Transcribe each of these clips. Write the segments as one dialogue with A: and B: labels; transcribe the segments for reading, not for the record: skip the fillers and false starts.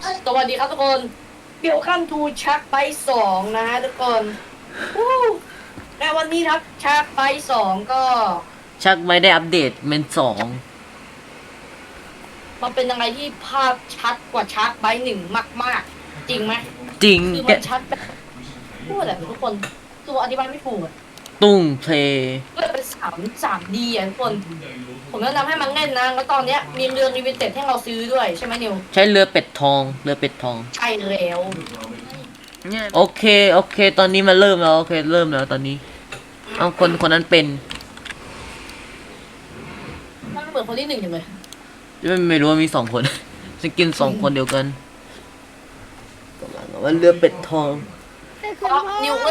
A: สวัสดีครับทุกคนเดี๋ยวขั้นทูชักไปสองนะฮะทุกคนวู้ในวันนี้ครับชักไปสองก็
B: ชักไม่ได้อัปเดตเมนสอง
A: มันเป็นยังไงที่ภาพชัดกว่าชักไปหนึ่งมากๆจริงไหม
B: จริง
A: คือ
B: แก
A: มันชัดแบบพูดอะไรทุกคนตัวอธิบายไม่ถูกอะ
B: ตุ้งเพลย์
A: ก็เป็น3Dอ่ะทุกคนผมแนะนำให้มันเล่นนะแล้วตอนเนี้ยมีเรือรีวิเต็ดให้เราซื้อด้วยใช่ไหมนิว
B: ใช้เรือเป็ดทองเรือเป็ดทอง
A: ใช่แล้ว
B: โอเคโอเคตอนนี้มันเริ่มแล้วโอเคเริ่มแล้วตอนนี้เอาคนนั้นเป็น
A: มันเหมือนคนที่หนึ่งจังเลย
B: ไม่รู้ว่ามี2 คนจะกิน2 คนเดียวกันกำลังว่าเรือเป็ดทอง
A: นิวก็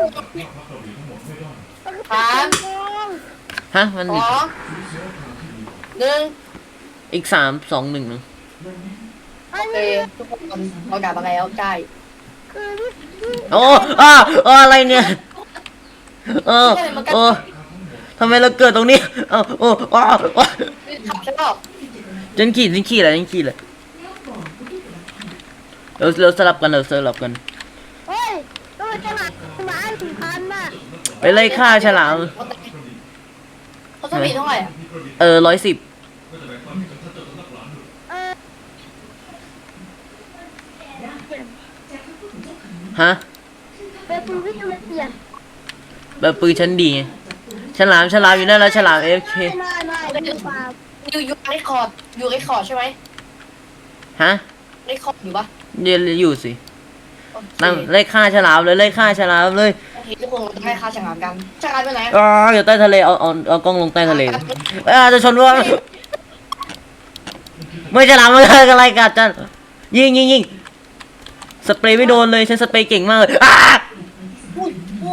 A: สาม
B: ฮะมัน
A: สองหนึ่ง
B: อีก3 2 1
A: โอเคทุกคนเรากลับมาแล้วใช่
B: โอ้อะไรเนี่ยโอ้ทำไมเราเกิดตรงนี้โอ้
A: ขับใช่ป่ะ
B: ฉันขี่เลยเราสลับกัน
C: เฮ้ยตัวฉลามหมา1,000น่ะ
B: ไปไล่ฆ่าฉลาม
A: เขาจะมีเท่าไหร่อ่ะ
B: 110
C: เออ
B: ฮะ
C: เป็นปืนที่จะเปลี่ยน
B: แบบปืนชั้นดีไงฉลามอยู่นั่นแล้วฉลาม AFK
C: ไม่ดูฟาร์ม
A: อยู่ไอคอร์ดอยู่ไอคอร์ดใช่ไหม
B: ฮะ
A: ไอคอร์ดอยู่ปะ
B: อยู่สินั่งไล่ฆ่าฉลามเลย
A: โอเคทุกคนเราจะให้ค่าฉลามกันฉลามไปไหน
B: อยู่ใต้ทะเลเอากล้องลงใต้ทะเลจะชนว่าไม่ฉลามมันอะไรกัดจันยิงสเปรย์ไม่โดนเลยฉันสเปรย์เก่งมากเลย
A: อุ้ย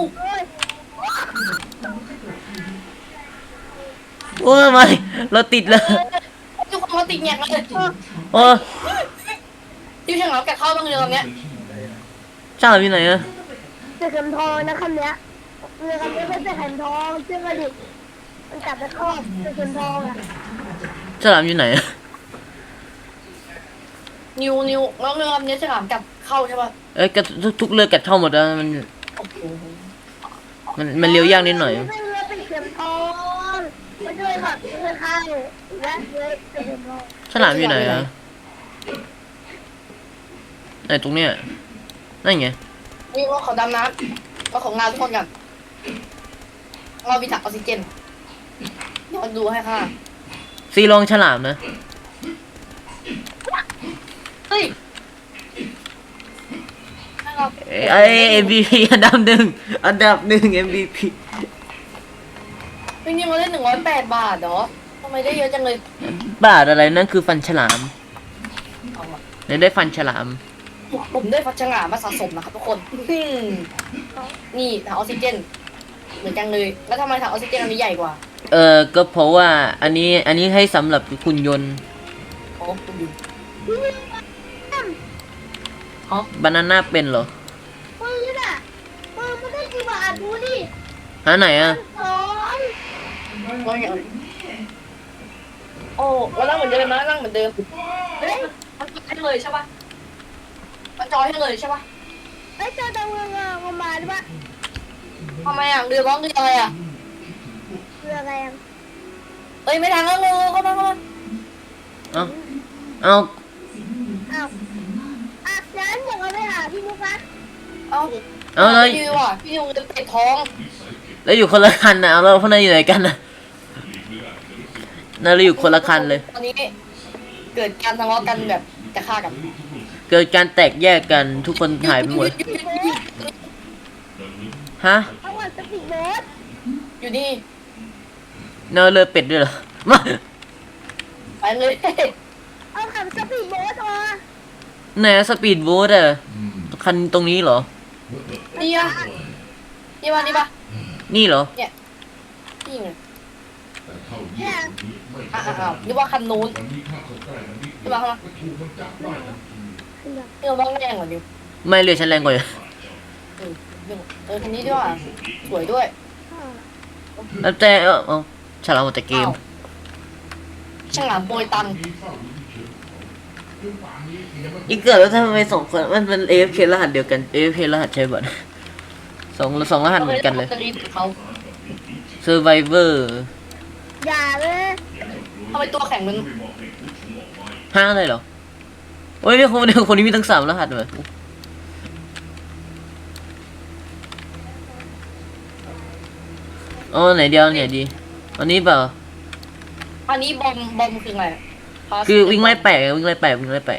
B: โอ้ยไม่เราติดเลย
A: ทุกคนเขาติดแงกเลย
B: โอ้
A: ที่ฉลามแกะเข้าบ้างเรือลำเนี้ย
B: ฉลามอยู่ไหนอะ
C: เสือเข็มทองนะคำเนี้ยเรือคำนี้เป็นเสือเข็มทองเชื่อกระดิกมันจับไปครอบเสือเข็มทองอ่ะ
B: ฉลามอยู่ไหนอะ
A: นิวแล้วเรือลำนี้ฉลามกลับเข้าใช่ปะ
B: กระทุกเรือกัดเข้าหมดแล้ว
A: โอ้โห
B: มันเลี้ยวยากนิดหน่อย
C: เป็นเรือเป็นเข็มทองมาช่วยแบบช่วยข้างและเรือเสือเข็มทอง
B: ฉลามอยู่ไหนอะไหนตรงเนี้ยนั่นไง
A: นี่ว่าเขาดำน้ำเราของงานทุกคนกันเรามีถังออกซิเจนเดี๋ยวดูให้ค่ะ
B: ซีลองฉลามนะ
A: เฮ้ย
B: MVP อันดับหนึ่ง MVP
A: จริงๆเราได้108 บาทเหรอทำไมได้เยอะจังเลย
B: บาทอะไรนั่นคือฟันฉลามได้ฟันฉลาม
A: ผมได้ฟัชงามาสะสมนะครับทุกคนนี่ถังออกซิเจนเหมือนกันเลยแล้วทำไมถังออกซิเจนอันนี้ใหญ่กว่า
B: ก็เพราะว่าอันนี้ให้สำหรับหุ่นยนต์
A: โอ้คุณดู
B: บานาน่าเป็นเหรอ
C: ปืนอ่ะปืนมันได้กี่บาทดูดิ
B: หาไหนอะ
C: สอง
A: ว่าอย่างโอ้เรานั่งเหมือนเดิมนะนั่งเหมือนเดิมเฮ้ยมันจอยให้เลยใช่ปะมันจอยให้เลยใช่ปะ
C: ไอ้เจ้าตะเวงเอามาด้วยปะ
A: ทำไมอ่ะเรือร้องเรืออะไรอ่ะ
C: เรือแรง
A: เอ้ยไม่ทางแล้วเร็วเข้ามา
B: เอา
C: อ้าวอ่ะงั้นเดี๋ยวเราไปหาพี่มุกนะ
A: เอา
B: แล้ว
A: พี่นิวอ่ะพี่นิวจะเตะท้อง
B: แล้วอยู่คนละคันนะแล้วพวกนั้นอยู่ไหนกันนะนั่นเราอยู่คนละคันเลย
A: ตอนนี้เกิดการทะเลาะกันแบบจะฆ่ากัน
B: เกิดการแตกแยกกันทุกคนหายไปหมดฮะ
C: เอาก่อนสปีดโบ๊ท
A: อยู่นี่
B: เนอเรือเป็ดด้วยเหรอมา
A: ไปเลย
C: เอาขับสปีดโบ๊ทมา
B: ไหนสปีดโบ๊ทอะคันตรงนี้เหรอ
A: นี่อ่ะนี่ปะนี่ปะ
B: นี่เหรอ
A: เนี่ยนี่ไง
C: เนี่ย
A: อ้าวนี่ว่าคันนู้นนี่ปะครับนี่เราต้องแรงกว่านี้
B: ไม่เรือฉันแรงกว่า
A: คันนี้ด้วยสวยด้วย
B: แล้วแต่ฉลามหมดแต่เกม
A: ฉลามโปรยตัง
B: อีกเกิดแล้วทำไมสองคนมัน AFK รหัสเดียวกัน AFK รหัสใช่ป่ะสองรหัสเหมือนกันเลย
A: จะรีบเขา
B: Survivor
C: อย่าเลย
A: ทำไมตัวแข็งมัน
B: ห้าเลยเหรอโอ้ยคนนี้มีตั้ง3 รหัสเลยอ๋อไหนเดียวเนี่ยดีอันนี้เปล่า
A: อันนี้บอมคือไง
B: คือวิ่งไล่แปะวิ่งไล่แปะ
A: ได้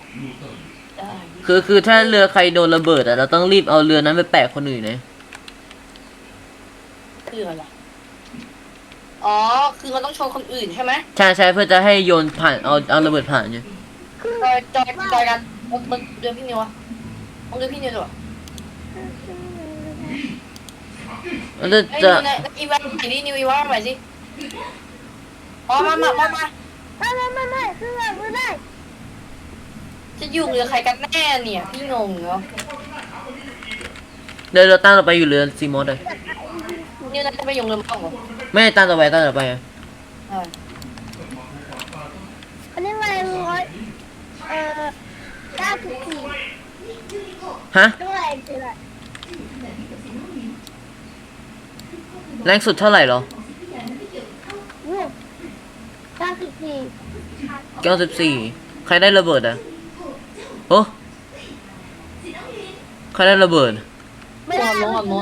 B: คือถ้าเรือใครโดนระเบิดอะเราต้องรีบเอาเรือนั้นไปแปะคนอื่นนะ
A: คืออะไรอ๋อคือมันต้องชนคนอื่นใช่ไหม
B: ใช่เพื่อจะให้โยนผ่านเอาระเบิดผ่านเนี่ย
A: จอยกันมันเดือนพี่นิวอะเอาเดือนพี่นิวดีกว่า
B: มันจะ
A: ไอ้นิวในอีเวนต์ไหนดินิวอีเวนต์ใหม่สิอ๋อมา
C: ไม่คือแบบไม่ได้
A: จะอยู่เรือใครกันแน่เนี่ยพี่งงเนาะ
B: เดี๋ยวเราตั้งต่อไปอยู่เรือซีมอสเลย
A: นิวน่าจะไปยงเรือมั่งเหรอ
B: ไม่ตั้งต่อไปอะ
A: ใช่
C: อันนี้อะไร94
B: ฮะ
C: เท่าไหร่คืออะไร
B: แรงสุดเท่าไหร่เหรอ
C: วู้
B: 94ใครได้ระเบิดอะโอ้ใครได้ระเบิด
C: ไม่ได้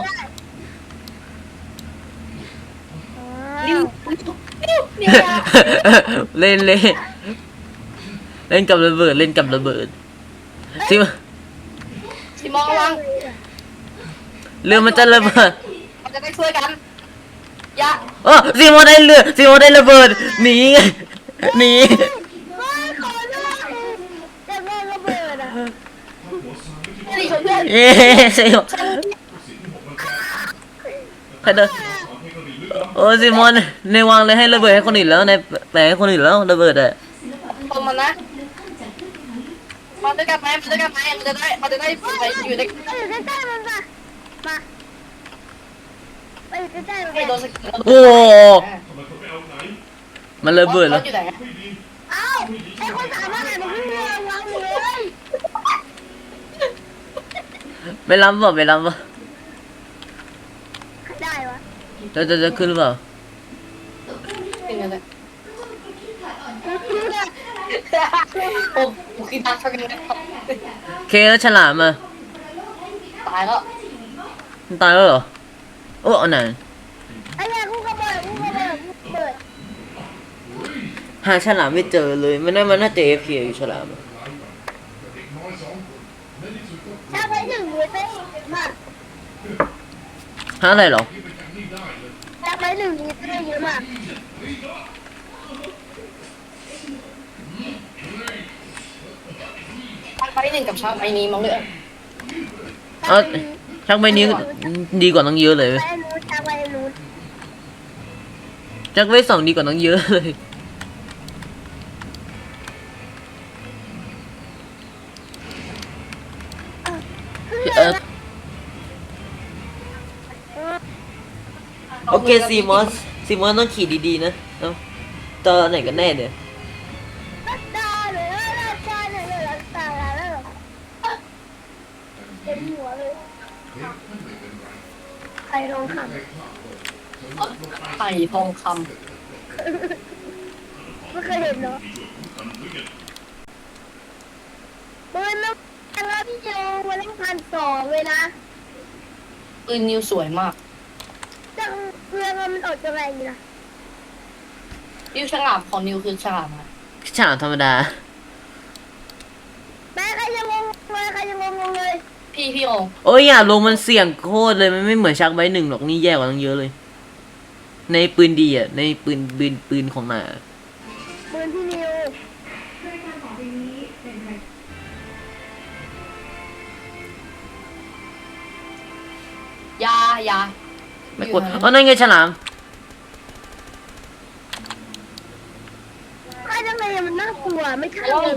A: นิว
B: เล่นกับระเบิดซิม
A: สิมองระวัง
B: เรือมันจะระเบิด
A: เราจะได้ช่วยกันอย่า
B: โอ้ซีโมได้ระเบิดหนีหนี
C: ไม่ขอโทษจะโดนระเบิดอ่ะ
A: สิชนเพื่อน
B: เย้ซีโมใครเดินโอ้ซีโมในวางเลยให้ระเบิดให้คนอื่นแล้วในแปลให้คนอื่นแล้วระเบิดอะ
A: ตรงมันนะมาด้วยกันไหมมันจะได้ไปอยู่ใน
C: ไปอยู่ใกล้ๆมันป่ะมาไปอยู่ใกล้ๆมัน
A: ให้โดน
C: ไป
A: สกิล
B: โอ้มันระเบิดแล้ว
A: อยู่ไหน
C: เอ้าไอ้คนสามารถมันขึ้นเรือวางเลย
B: ไปล้ำป่ะ
C: ได้วะ
B: จะขึ้นหรือเปล่า
A: เป็นไงเนี่ยผมคิดดักเท่ากันนะครับ
B: เคแล้วฉลามอะ
A: ตายแล้ว
B: มันตายแล้วเหรอโอ้เอาไหน
C: ไอ้เนี่ยกูกระเบิดเปิด
B: หาฉลามไม่เจอเลยมันน่าจะ AFK อยู่ฉลามอะ
C: ถ้าไปถึงมือเต้มา
B: หาอะไรเหรอ
C: ถ้าไปถึงมือเต้เยอะมาก
A: ไปหนึ่งกับชาไปนี้มั้งเลย
B: เอาชักใบนี้ดีกว่าน้องเยอะเลย
C: ไปนู้นจะไปนู้น
B: ชักใบ2ดีกว่าน้องเยอะเลยโอเคซีมอสต้องขี่ดีๆนะเอ้าตอนไหนกันแน่เนี่ย
C: ตาเลยตาเลยตาเลยเต็มหัวเลยใครลองทำ
A: ไข่ทองค
C: ไม่เคยเห็นเนาะปืนแล้วพี่โจวันละ1,200เลยนะ
A: ำปืนนิวสวยมาก
C: จังเพื่อนมันอดจะแรงอยู่นะ
A: นิวฉลามของนิวคือฉลามอะ
B: ฉลามธรรมดา
C: แม่ใครจะงงเลย
A: พี่โอ
B: โอ้ยอย่าลงมันเสี่ยงโคตรเลยมันไม่เหมือนชักใบ1หรอกนี่แย่กว่าตั้งเยอะเลย ในปืนดีอ่ะในปืนของหนา
C: ปืนพี่นิว
A: ยา
B: ไม่กดอ๋อนั่นไงฉลาม
C: ใครทำไมมันน่ากลัวไม่ใช่เลย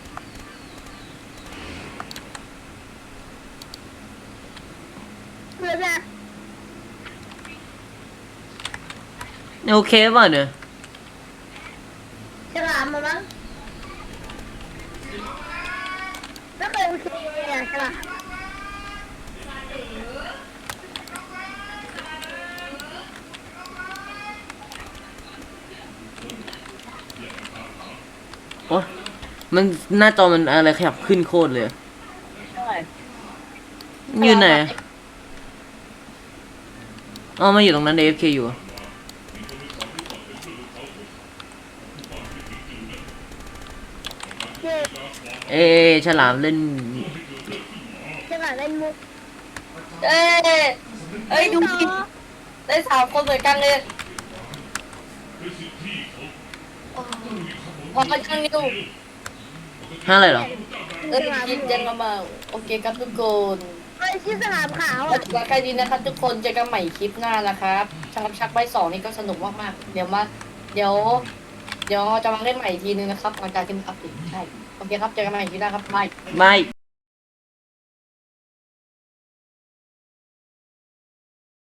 C: เพื่อนอะ
B: โอเคป่ะเนี่ย
C: ฉลามมามั้งล่ะ
B: โอ้มันหน้าจอมันอะไรขยับขึ้นโคตรเลย
A: ใช่
B: มันอยู่ไหนอะอ๋อมาอยู่ตรงนั้น AFK อยู่อะ
C: เจ๊
B: เอฉลามเล่น
C: จะมาเล่นมุก
A: เอ้ยเอ้ยดูดิได้3 คนเหมือนกันเลยพอมาจังนิว
B: ห้าอะไรเหรอ
A: กินเจนมาโอเคครับทุกคน
C: เอ้ยชื่อสนามขาว
A: ก็
C: อ่ะ
A: ถือว่าใครดีนะครับทุกคนเจอกันใหม่คลิปหน้านะครับชักใบ2นี่ก็สนุกมากๆเดี๋ยวจะมาเล่นใหม่อีกทีนึงนะครับหลังจากที่มันอัปเดตใช่โอเคครับเจอกันใหม่คลิปหน้าครับบาย
B: ไม่